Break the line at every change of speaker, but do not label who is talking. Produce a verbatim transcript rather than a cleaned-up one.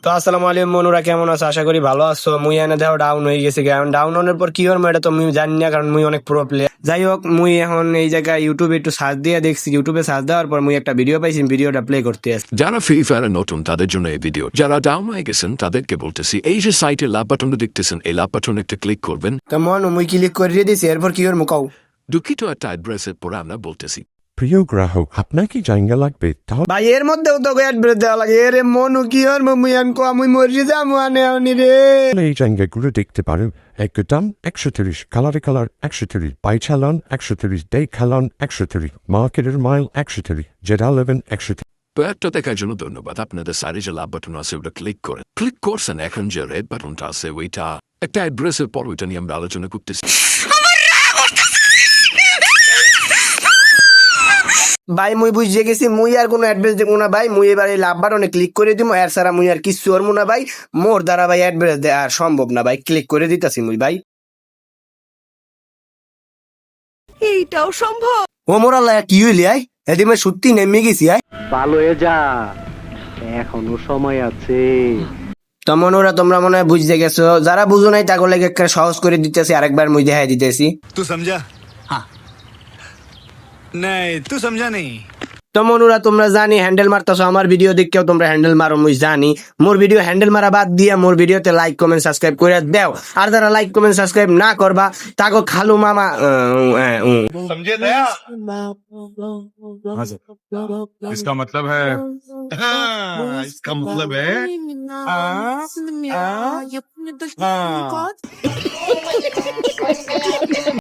তো আসসালামু আলাইকুম মনুরা, কেমন আছো? আশা করি ভালো আছো। মুই এনে দেখো ডাউন হয়ে গেছে। ডাউন হওয়ার পর কি হলো এটা তো মুই জানি না, কারণ মুই অনেক প্রো প্লেয়ার। যাই হোক, মুই এখন এই জায়গায় ইউটিউবে একটু সার্চ দিয়ে দেখছি। ইউটিউবে সার্চ দেওয়ার পর মুই একটা ভিডিও পাইছি, ভিডিওটা প্লে করতে আসছি।
যারা ফ্রি ফায়ারে নতুন তাদের জন্য এই ভিডিও, যারা ডাউন হয়ে গেছেন তাদেরকে বলতেছি এই যে সাইটে লাভ বাটনটা দেখতেছেন, এই লাভ বাটনে একটা ক্লিক করবেন।
তো মনু মুই ক্লিক করে দিয়েছি, এরপর কি হলো মুকাও
দুঃখিত একটা অ্যাড্রেসের পরে আমরা বলতেছি
প্রিয় গ্রাহক, আপনার কি জায়গা লাগবে? তাহলে
ভাই এর মধ্যেও তো অ্যাড্রেস দেওয়া লাগে। এরে মনু কি হলো, মুই আনকো আমি মরি যাবো আনে আনি রে।
এই জায়গাগুলো দেখতে পারেন। একদম একশো তিরিশ, কালারে কালার একশো তিরিশ, বাই চালান একশো তিরিশ, ডে খালান একশো তিরিশ, মার্কেটের মাইল একশো তিরিশ, জেডা লেভেন একশো তিরিশ।
প্রয়ারটা দেখার জন্য ধন্যবাদ। আপনাদের সাইডে যে লাভ বাটন আছে ওটা ক্লিক করেন। ক্লিক করছেন, এখন যে রেড বাটনটা আছে ওইটা একটা অ্যাড্রেসের পর ওইটা নিয়ে আমরা আলোচনা করতেছি।
ভাই মুই বুঝে গেছি, মুই আর কোনো অ্যাড্রেস দেবো না ভাই। মুই এবার এই লাভ বাটনে ক্লিক করে দিব, এর ছাড়া মুই আর কিছু করবো না ভাই। মোর দ্বারা ভাই অ্যাড্রেস দেওয়া আর সম্ভব না ভাই। ক্লিক করে দিতাছি মুই ভাই।
এইটাও সম্ভব?
ও মোর আল্লাহ, কি হইলি আই? এদিকে সত্যি নেমে গেছি আই।
ভালো হয়ে যা, এখনো সময় আছে।
তেমন ওরা তোমরা মনে হয় বুঝতে গেছো। যারা বুঝো নাই তাকে লাগে একটা সহজ করে দিতেছি, আরেকবার মুই দেখাই দিতেছি।
तू समझा? हाँ नहीं तू समझा नहीं।
তেমন ওরা তোমরা জানি হ্যান্ডেল মারতেছো আমার ভিডিও দেখেও তোমরা হ্যান্ডেল মারো, মুই জানি। মোর ভিডিও হ্যান্ডেল মারা বাদ দিয়ে মোর ভিডিওতে লাইক কমেন্ট সাবস্ক্রাইব করে দাও। আর যারা লাইক কমেন্ট সাবস্ক্রাইব না করবা তাকে খালু মামা
समझे दया? इसका मतलब है हाँ, इसका मतलब है हाँ, हाँ, हाँ।